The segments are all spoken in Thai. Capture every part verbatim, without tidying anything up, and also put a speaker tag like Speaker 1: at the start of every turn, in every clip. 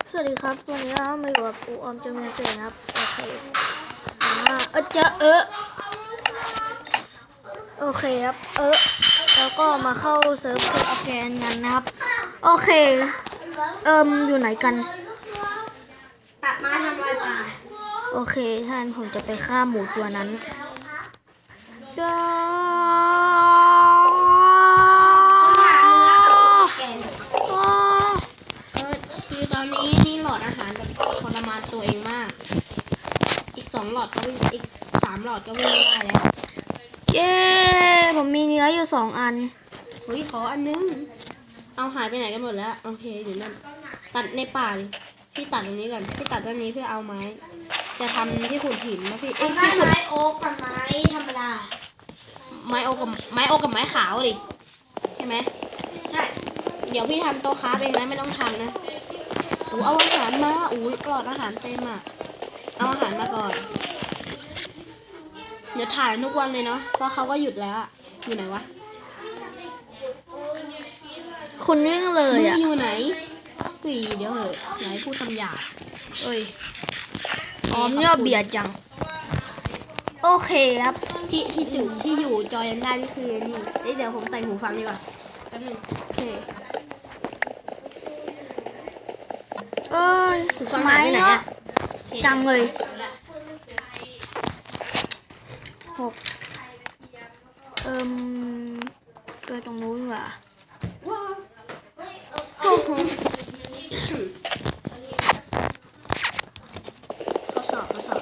Speaker 1: สวัสดีครับวันนี้เรามาอยู่กับปูออมจำเนียนเสนะครับโอเคอ่าเออเจะเออโอเคครับเออแล้วก็มาเข้าเซิร์ฟเพื่อออร์แกนกันนะครับโอเคเอิมอยู่ไหนกัน
Speaker 2: ตัดไม้ทำลายป่า
Speaker 1: โอเคท่านผมจะไปฆ่าหมูตัวนั้นก็
Speaker 2: คือตอนนี้นี่หลอดอาหารแบบทรมานตัวเองมากอีกสองหลอดก็วิ่งอีกสามหลอดก็วิ่งไม่ได้แล้ว
Speaker 1: เย้ผมมีเนื้ออยู่สองอัน
Speaker 2: เฮ้ยขออันนึงเอาหายไปไหนกันหมดแล้วโอเคอยู่นั่นตัดในป่าดิพี่ตัดตรงนี้ก่อนพี่ตัดตรงนี้เพื่อเอาไม้จะทำที่ขุดหินนะพี่เอ้ยที่ขุดไม้โอ๊กกับไม้ธรรมดาไม้โอ๊กกับไม้โอ๊กกับไม้ขาวดิใช่ไหมใช่เดี๋ยวพี่ทำโต๊ะค้าเองนะไม่ต้องทำนะโอ้เอาอาหารมาโอ้ยปลอดอาหารเต็มอ่ะเอาอาหารมาก่อนเดี๋ยวถ่ายทุกวันเลยเนาะเพราะเขาก็หยุดแล้วอยู่ไหนวะ
Speaker 1: คุณวิ่งเลยอ่ะ
Speaker 2: อยู่ไหนกุยเดี๋ยวเหอะไหนพูดคำหยาบ
Speaker 1: เอ้ยอ๋อมเนี่ยเบียดจังโอเคครับ
Speaker 2: ที่ที่จุดที่อยู่จอยันได้นี่คือนี่เดี๋ยวผมใส่หูฟังดีกว่าแป๊บนึง
Speaker 1: โอเคเอ้ย
Speaker 2: หูฟังหายไปไหนอ่ะ
Speaker 1: จังเลยหกเอิ่มตัวตรงนู้นว่ะโอ้โห
Speaker 2: ข้อสอบข้อสอบ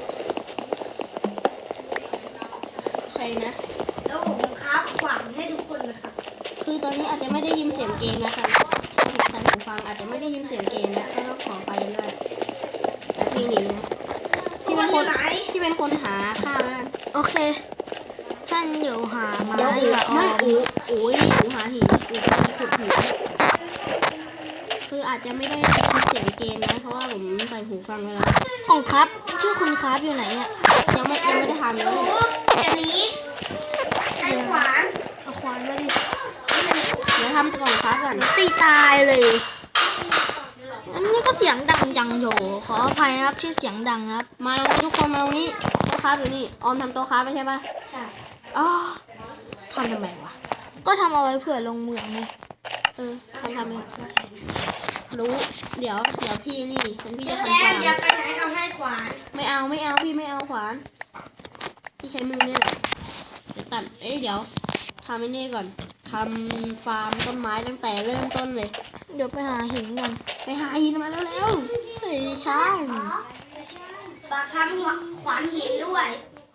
Speaker 2: ใครนะแล้วผมครับหวังให้ทุกคนนะครับคือตอนนี้อาจจะไม่ได้ยินเสียงเกมนะคะผิดใส่หูฟังอาจจะไม่ได้ยินเสียงเกมนะก็ต้องขอไปด้วยแต่พี่หนีนะพี่เป็นคนพี่เป็นคนหาข้าวนะ
Speaker 1: โอเคท่านเดี๋ยวหามา
Speaker 2: เดี๋ยวอูไม่อูอูยอูหาหินอูจะขุดหินคืออาจจะไม่ได้ยินเสียงเกมนะเพราะว่าผมใส่หูฟังแล้ว
Speaker 1: ของครับที่คุณครับอยู่ไหนอ่ะ
Speaker 2: ยังไม่ยังไม่ได้ทำเลยจะหนีใช้ขวาน
Speaker 1: เอาขวานมาดิ
Speaker 2: เดี๋ยวทำก่อนครับก่อน
Speaker 1: ตีตายเลยอันนี้ก็เสียงดังจังโยขออภัยนะครับที่เสียงดังครับ
Speaker 2: มาตรงนี้ทุกคนมาตรงนี้โต๊ะค้าอยู่นี่ออมทำโต๊ะค้าไม่ใช่ปะใช่อ๋อทำทำไมวะ
Speaker 1: ก็ทำเอาไว้เผื่อลงเมืองไง
Speaker 2: เออทำทำเองรู้เดี๋ยวเดี๋ยวพี่นี่ฉันพี่จะทำฟาร์มอย่าไปไหนเอาให้ขวานไม่เอาไม่เอาพี่ไม่เอาขวานพี่ใช้มือเนี่ยเดี๋ยวตัดเอ้ยเดี๋ยวทำไอ้นี่ก่อนทำฟาร์มต้นไม้ตั้งแต่เริ่มต้นเลย
Speaker 1: เดี๋ยวไปหาหินก่อน
Speaker 2: ไปหาหินมาแล้วแล้วเฮ้ยช่างฝากทำขวานหินด้วย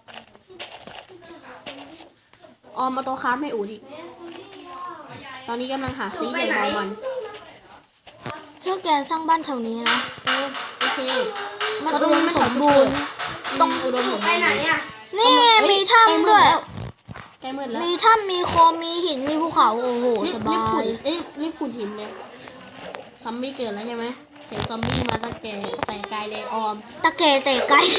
Speaker 2: ออมมาโตค้าให้อูดิตอนนี้กำลังหาซีใหญ่มองมัน
Speaker 1: เพื่อแกสร้างบ้านแถวนี้นะ
Speaker 2: เออโอเค
Speaker 1: มันอุดมสมบูรณ์
Speaker 2: ต้องอุดมสมบูรณ์ไปไหนอ่ะ
Speaker 1: นี่ไงมีถ้ำด้วย
Speaker 2: ใกล้มืดแล้ว
Speaker 1: มีถ้ำมีโคมมีหินมีภูเขาโอ้โหสบาย
Speaker 2: เอ้ยรีบขุดหินเนี่ยซอมบี้เกิดแล้วใช่ไหมเสียงซอมบี้มาตะแกแต่ไกลเลยออม
Speaker 1: ตะแกแต่ไกล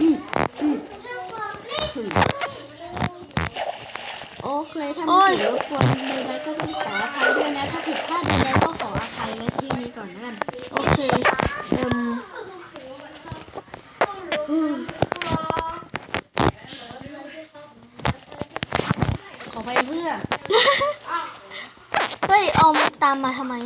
Speaker 2: โอเคถ้ามีเสียงรบกวนใดๆก็ต้องขออภัยด้วยนะถ้าผิดพลาดใดๆก็ขออภัยไว้ที่นี้ก่อนนะกัน
Speaker 1: โอเคเอิ่ม
Speaker 2: ขอไปเพื่อ
Speaker 1: เฮ้ยเอาตามมาทำไม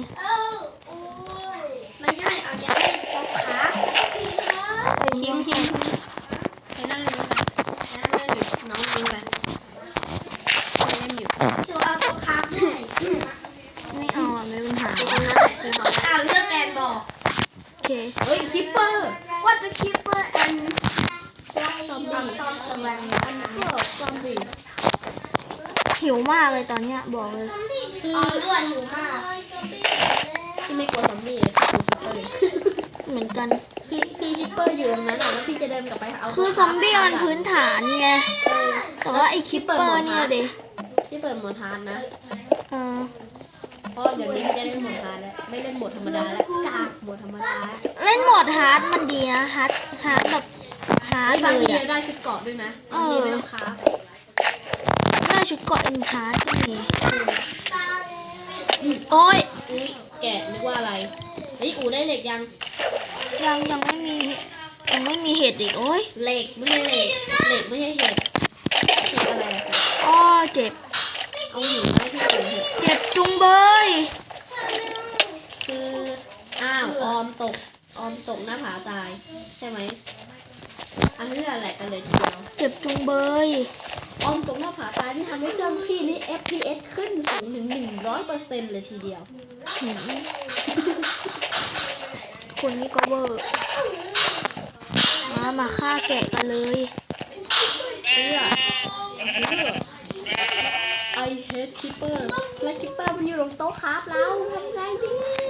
Speaker 2: ไม่ใช่เอาจะให้ตบขาคิมคิมไปนั่งเล่นกันนั่งเล่นอยู่น้องดูไปเล่นอยู่ดูเอาตบขาให้
Speaker 1: ไม่เอาอ่ะไม่เป็นหา
Speaker 2: ตรงนั้นแหละคือหมออ้าวเลือกแกนบอก
Speaker 1: โอเค
Speaker 2: เฮ้ยคิปเปอร์ What the keeper and zombie ตะวันอันก็ซอมบี้
Speaker 1: หิวมากเลยตอนเนี้ยบอกเลย
Speaker 2: คือด้วยหิวมากที่ไม่กลัวซอมบี้เลยคือคิปเปอร์
Speaker 1: เหมือนกัน
Speaker 2: คือคือคิปเปอร์อยู่ตรงนั้นแล้วพี่จะเดินกลับไปเอา
Speaker 1: คือซอมบี้มันพื้นฐานไงแต่ว่าไอ้คิปเปอร์เนี่ยเด็
Speaker 2: ที่เปิดโหมดฮาร์ดนะ
Speaker 1: เออ
Speaker 2: เพราะเดี๋ยวนี้พี่จะเล่นโหมดฮาร์ดแล้วไม่เล่นโหมดธรรมดาแล้วกากโหมดธรรมดา
Speaker 1: เล่นโหมดฮาร์ดมันดีนะฮาร์ดฮาร์ดแบบฮาร์ด
Speaker 2: เลยอะได้ชุดเกาะด้วยนะเออไม่ต้องค้า
Speaker 1: ได้ชุดเกาะเอ็นชาร์ดที่มีโอ้ย
Speaker 2: อุ้ยแกะนึกว่าอะไรเฮ้ยอูได้เหล็กยัง
Speaker 1: ยังยังไม่มียังไม่มีเห็ดอีกโอ้ย
Speaker 2: เหล็กไม่ใช่เหล็กเหล็กไม่ใช่เห็ดเห็ดอะไรอะคะ
Speaker 1: อ้อเจ็บ
Speaker 2: เอาหินให้พี่ขุนเถอะ
Speaker 1: เจ็บจุงเบย
Speaker 2: คืออ้าวออมตกออมตกหน้าผาตายใช่ไหมอันนี้แหละกันเลยทีเดียว
Speaker 1: เจ็บจุงเบย
Speaker 2: ออมตกหน้าผาตายที่ทำให้เครื่องพี่นี่ เอฟ พี เอส ขึ้นสูงถึงหนึ่งร้อยเปอร์เซ็นต์เลยทีเดียว
Speaker 1: หืมคนนี้ก็เวอร์มามาฆ่าแกะกันเลย
Speaker 2: เพื่อไอเฮดคิปเปอร์และคิปเปอร์มันอยู่ตรงโต๊ะครับเราทำไงดี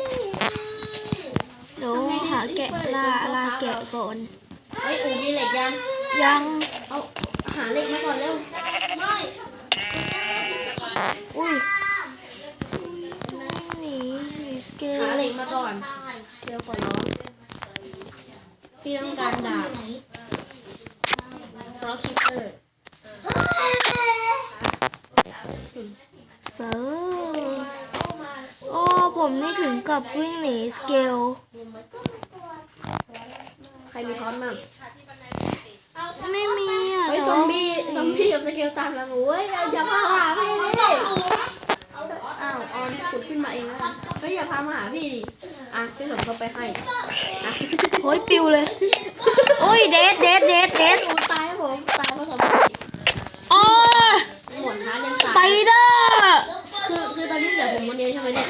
Speaker 1: เดี๋ยวหาแกะลาลาแกะก่อน
Speaker 2: เฮ้ยอูมีเหล็กยัง
Speaker 1: ยัง
Speaker 2: เอาหาเหล็กมาก่อนเร็ว
Speaker 1: อุ้ยหนีหนีสเกล
Speaker 2: หาเหล็กมาก่อนเร็วขอร้องพี่ต้องการดาบเพราะคิปเปอร์
Speaker 1: เซอร์โอ้ผมนี่ถึงกับวิ่งหนีสเกล
Speaker 2: ใครมีท้อนมั่ง
Speaker 1: ไม่มีอ่ะ
Speaker 2: เฮ้ยซอมบี้ซอมบี้กับสเกลตันแล้วโว้ยอย่าพามาหาพี่ดิอ้าวออนขุดขึ้นมาเองแล้วกันเฮ้ยอย่าพามาหาพี่ดิอ่ะพี่สมทบไปให้อ่ะ
Speaker 1: โอ้ยปิวเลย โอ้ยเดดเดดเดดเดด
Speaker 2: หนูตายครับผมตายเพราะซอมบี้
Speaker 1: อ๋อ
Speaker 2: หมดท้ายัง
Speaker 1: ส
Speaker 2: ตาย
Speaker 1: ไปเดอร์
Speaker 2: คือคือตอนนี้เหลือผมคนเดียวใช่ไหมเนี่ย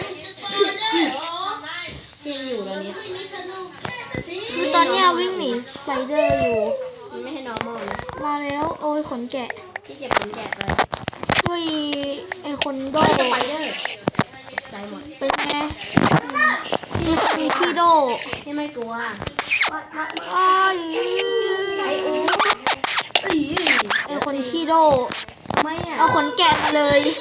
Speaker 2: พี่ยังอยู่ตอนนี้
Speaker 1: คือตอนเนี้ยวิ่งหนีสไปเดอร์อยู่
Speaker 2: มันไม่ให้ normal นะ
Speaker 1: มาแล้ว โอ้ยขนแกะ
Speaker 2: พี่เก็บผลแกะไป
Speaker 1: ช่วยไอคนโด
Speaker 2: โดนสไปเดอร์ใจหมด
Speaker 1: เป็นไงมีมีพี่โด
Speaker 2: พี่ไม่กลัว
Speaker 1: อ้าย
Speaker 2: ไออูอี
Speaker 1: ไอคนขี้โด
Speaker 2: ทำไมอ่ะ
Speaker 1: เอาขนแกะมาเลย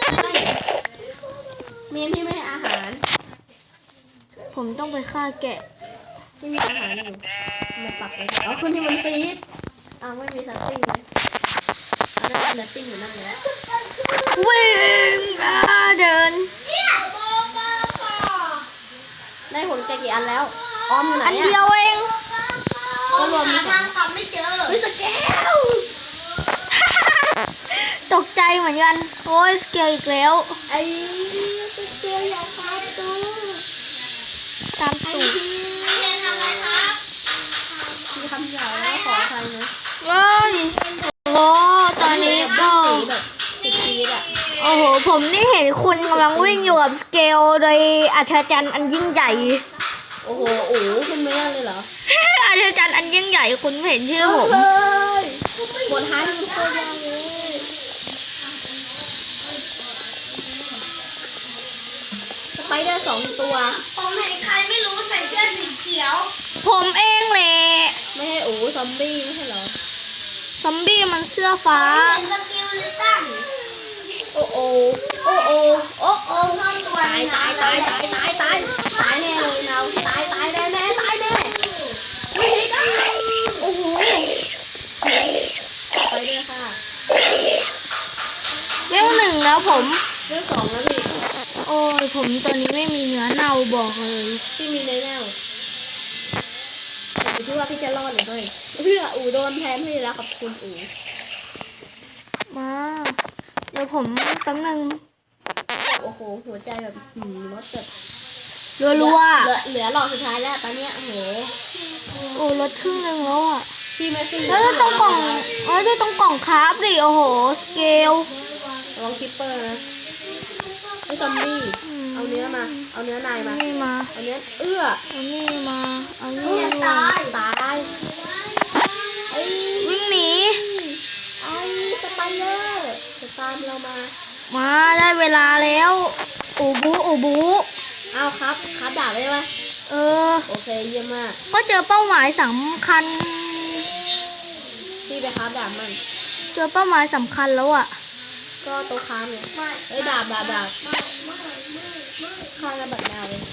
Speaker 2: เมียพี่ไม่ให้อาหาร
Speaker 1: ผมต้องไปฆ่าแกะ
Speaker 2: ที่มีอาหารอยู่มาปักไว้อ๋อคนที่มันฟีดอ้าวไม่มีซัพปิ้งเลยอันนั้นซัพปิ้งอยู่นั่นเลย
Speaker 1: วิ่งอ่าเดิน
Speaker 2: ได้ผลแกะกี่อันแล้ว ออมอยู่ไหน
Speaker 1: อัน
Speaker 2: อ่ะ
Speaker 1: เดียวเอง
Speaker 2: ก็รวมมีสองเฮ้ยสแกล
Speaker 1: ตกใจเหมือนกัน โอ้ยสเกลอีกแล้ว
Speaker 2: ไอ้สแกลอยากพาตู
Speaker 1: ตามตูด
Speaker 2: มีคำหยาบแล้วขออภัยนะ
Speaker 1: เอ้ยโอ้ตอนนี้ก็
Speaker 2: แบบสุดชีวิตอ่ะ
Speaker 1: โอ้โห ผมนี่เห็นคุณกำลังวิ่งอยู่กับสเกลโดยอัศจรรย์อันยิ่งใหญ่
Speaker 2: โอ้โหโอ้โหคุณไม่ได้เลยเหรอ
Speaker 1: อัศจรรย์อันยิ่งใหญ่คุณไม่เห็นชื่อผม
Speaker 2: เลยหมดท้ายมันโคตรยากเลยสไปเดอร์สองตัว
Speaker 3: ผมเห็นใครไม่รู้ใส่เสื้อสีเขียว
Speaker 1: ผมเองแหละ
Speaker 2: ไม่ให้โอ้ซอมบี้ไม่ใช่เหรอ
Speaker 1: ซอมบี้มันเสื้อฟ้า
Speaker 3: เป็นสกิลลิตัน
Speaker 2: โอ้โอโอ้โอโอ้โอ
Speaker 3: เข้าตัว
Speaker 2: ตายตายตายตายตายตายตายแน่เลยเราตายตายแน่แน่ตายแน่ไม่ได้โอ้โหไปเลยค่ะ
Speaker 1: เวลหนึ่งแล้วผม
Speaker 2: เรื่องสองแล้วพี่
Speaker 1: โอ้ยผมตอนนี้ไม่มีเนื้อเน่าบอกเลย
Speaker 2: พี่มีในแนวอยู่ที่ว่าพี่จะรอดหรือไม่เพื่ออูโดนแทนพี่แล้วขอบคุณอู
Speaker 1: มา เดี๋ยวผมแป๊บนึง
Speaker 2: โอ้โหหัวใจแบบหืมรถแบบ
Speaker 1: รัว
Speaker 2: เหลือเหลือหลอดสุดท้ายแล้วตอนเนี้ยโอ้โห
Speaker 1: ๆโอ้ลดครึ่งหนึงแล้วอ่ะ
Speaker 2: พี่ไม่ขึ้น
Speaker 1: แล้วตรงกล่องเอ้ยตรงกล่องคราฟดิ โอ้โห สเกล
Speaker 2: ระวังคิปเปอร์นะไอ้ซอมบี้เอาเนื้อมาเอาเนื้อนายมา
Speaker 1: นี่มา
Speaker 2: เอาเนื้อเอื้อ
Speaker 1: เอานี่มา เอา
Speaker 2: เอ
Speaker 1: นี่
Speaker 2: อ
Speaker 1: มา
Speaker 2: ตายตายไอ้
Speaker 1: วิ่งหนี
Speaker 2: ไอ้สไปเดอร์จะตามเรามา
Speaker 1: มาได้เวลาแล้ว อูบูอูบู
Speaker 2: เอาครับครับดาบได้ไหม
Speaker 1: เออ
Speaker 2: โอเคเยี่ยมมาก
Speaker 1: ก็เจอเป้าหมายสำคัญ
Speaker 2: พี่ไปครับดาบมัน
Speaker 1: เจอเป้าหมายสำคัญแล้วอ่ะ
Speaker 2: ก็โต๊ะค้ามเนี่ยเอ้ยดาบดาบดาบข้างระเบิดดาวเลย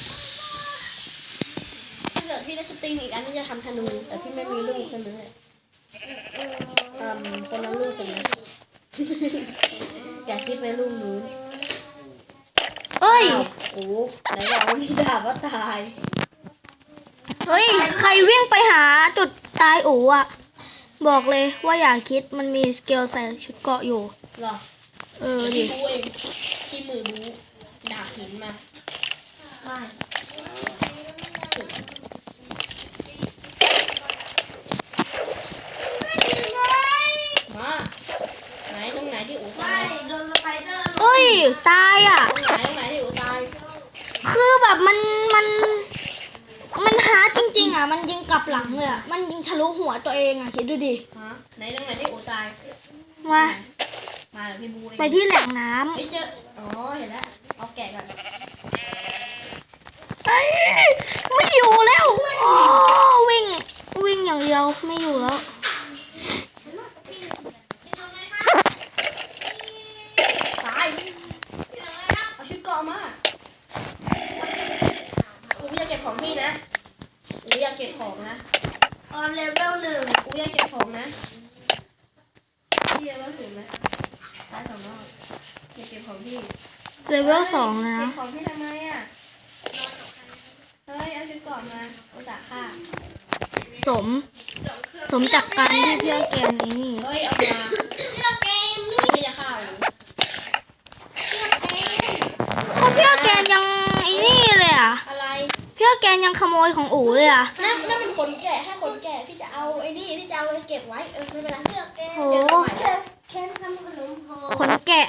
Speaker 2: ถ้าเกิดพี่ได้สติงอีกอันนี้จะทำธนูแต่พี่ไม่มีลูกคนนึงเลยเอ่อคนละลูกกันนะ อยากคิดไปลูกนู้น
Speaker 1: เอ้ย
Speaker 2: อ้าวโอ้ไหนบอกว่ามีดาบว่าตาย
Speaker 1: เฮ้ย ใครวิ่งไปหาจุดตายอูอ่ะ บอกเลยว่าอย่าคิดมันมีสเกลใส่ชุดเกราะอยู่
Speaker 2: หรอ
Speaker 1: เออดิ
Speaker 2: พี่บูเองที่มือบูดาบหินมา
Speaker 3: ไม่
Speaker 2: มาไหนตรงไหนที่อู
Speaker 3: ไม่
Speaker 2: ตาย
Speaker 3: โดนสไปเดอร์
Speaker 1: เฮ้ย ตายอ่ะ
Speaker 2: ตรงไหนตรงไหนที่อูตาย
Speaker 1: คือแบบมันมันมันหาจริงๆอ่ะ มันยิงกลับหลังเลยอ่ะ มันยิงทะลุหัวตัวเองอ่ะ คิดดูดิ
Speaker 2: ฮะไหนตรงไหนที่อูตาย
Speaker 1: มา
Speaker 2: มาเดี๋ยวพี่บูเอง
Speaker 1: ไปที่แหล่งน้ำ
Speaker 2: ไม่เจออ๋อเห็นแล้วเอาแกะก่อน
Speaker 1: เอ้ยไม่อยู่แล้วโอ้วิ่ง วิ่งอย่างเดียวไม่อยู่แล้ว
Speaker 2: ตายเอาชุดเกราะมาอูอยากเก็บของพี่นะอูอยากเก็บของนะ
Speaker 3: ออนเลเวลหนึ่ง
Speaker 2: อูอยากเก็บของนะพี่ยังไม่ถึงนะตายสองรอบอยากเก็บของพี่
Speaker 1: เลเวลสองนะ
Speaker 2: เก็บของพี่ทำไมอ่ะเฮ้ยเอาชุดเกราะมาอุตส่าห์ฆ่า
Speaker 1: สม สมจากการที่เพื่อแกนนี้
Speaker 2: เฮ้ยเอามา
Speaker 3: เลือกเองเลือก
Speaker 2: พี่จะฆ่าอู
Speaker 3: เอง
Speaker 1: เพราะเพื่อแกนยังไอ้นี่เลยอ่ะ
Speaker 2: อะไร
Speaker 1: เพื่อแกนยังขโมยของอูเลยอ่ะ
Speaker 2: นั่นนั่นเป็นคนแก่ให้คนแก่พี่จะเอาไอ้นี่พี่จะเอาไปเก็บไว้เออไม่เป็นไร
Speaker 3: เลือกเอง
Speaker 1: โห
Speaker 2: เจอกันใหม่นะ
Speaker 3: เคนทำขนมโฮ
Speaker 1: ขนแกะ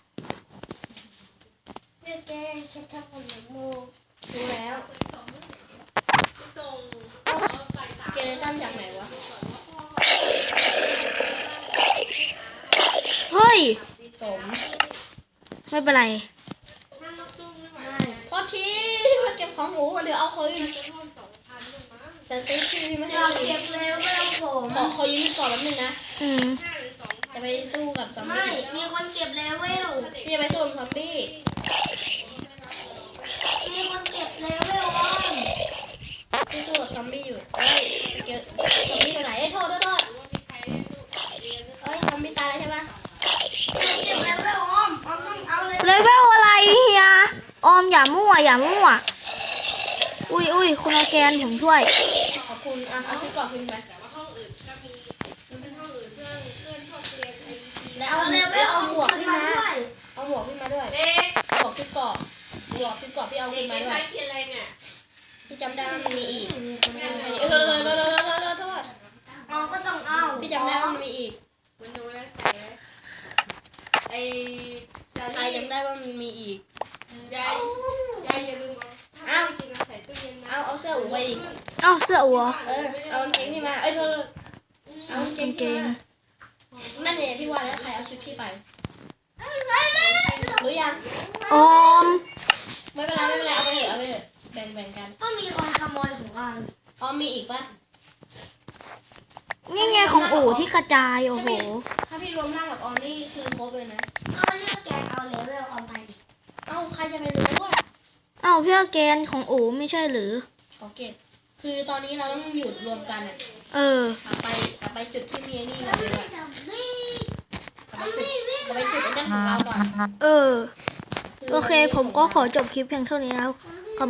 Speaker 3: เลือกเองเคนทำขนมโฮ
Speaker 2: รู้แล้วเจเนตันจากไหนวะ
Speaker 1: เฮ้ย
Speaker 2: สม
Speaker 1: ไม่เป็นไร
Speaker 2: พอทีมาเก็บของหมูเดี๋ยวเอาคืนแต่ซื้อพี่ไม่
Speaker 3: อ
Speaker 2: ให้
Speaker 3: ยาก
Speaker 2: คื
Speaker 3: เก็
Speaker 2: น
Speaker 3: บเลเวลผม
Speaker 2: ขอขอยืมพี่ก่อนแป๊บนึงนะ
Speaker 1: อืม
Speaker 2: จะไปสู้กับซอม
Speaker 3: ไม่
Speaker 2: บี้
Speaker 3: มีคนเก็บเลเวล
Speaker 2: พี่จะไปสู้กับซอมบี้
Speaker 3: มีคนเก็บเลเวลออน
Speaker 2: พี่สู้กับซอมบี้อยู่เฮ้ยเจอซอมบี้ตัวไหนเอ้ยโทษโทษโทษเอ้ยซอมบี้ตายแล้วใช่ปะ
Speaker 3: เก็บเลเวลออมออมต้องเอาเลย
Speaker 1: เลเวลอะไรเฮีย ออมอย่ามั่วอย่ามั่ว อุ้ยอุ้ยคุณออร์แกนผมช่วย
Speaker 2: ขอบคุณอ่ะเอาชุดเก่อนขึ้นไปแล้วเอา
Speaker 3: เอาเลเวลอ
Speaker 2: เอา
Speaker 3: อม
Speaker 2: หมวกขึ้นมา
Speaker 3: ด้วย
Speaker 2: เอาหมวกขึ้นมาด้วยหมวกชุดเกราะหมวกชุดเกราะพี่เอาขึ้นมาด้วยพี่จำได้ว่ามันมีอีกเออโทษโทษโทษโทษโทษโทษโทษ
Speaker 3: เอาก็ต้องเอา
Speaker 2: พี่จำได้ว่ามันมีอีก
Speaker 4: ไอ้
Speaker 2: ใครจำได้ว่ามันมีอีก
Speaker 4: ยายยายอย่าลืมเอา
Speaker 2: อ้าว
Speaker 4: จริงนะใส่ตู้เย็นนะ
Speaker 2: เอาเอาเสื้ออูไปดิ
Speaker 1: เอ้าเสื้ออัว
Speaker 2: เออเอากางเกงที่มาเอ้ยโทษโทษเอากางเกงที่มานั่นเนี่ยพี่ว่าแล้วใครเอาชุดพี่ไปรู้ยัง
Speaker 1: ออม
Speaker 2: ไม่เป็นไรไม่เป็นไรเอาไปเถอะเอาไปเถอะแบ่งแบ่งกัน
Speaker 3: ก็มีคนขโมยของออน
Speaker 2: อ๋อมีอีกปะ
Speaker 1: นี่ไงของอูที่กระจายโอ้โห
Speaker 2: ถ้าพี่รวมร่างกับออมนี่คือครบเลยนะ
Speaker 3: เอาเลือกแกนเอาเลเวลออนไปดิ
Speaker 2: เอ้าใครจะไปรู้อ่ะ
Speaker 1: เอ้าเพื่อแกนของอูไม่ใช่หรือ
Speaker 2: ขอเก็บ คือตอนนี้เราต้องหยุดรวมกันอ่ะ
Speaker 1: เออ
Speaker 2: กลับไปกลับไปจุดที่มีไอ้นี่ก่อน
Speaker 3: ไม่
Speaker 2: ดีก
Speaker 3: ได้
Speaker 2: ว่า
Speaker 3: จับวิ่ง
Speaker 2: กลับไปจุดกลับไปจุดไอ้นั่นของเราก่อน
Speaker 1: เออ โอเค ผมก็ขอจบคลิปเพียงเท่านี้แล้ว
Speaker 3: ไม่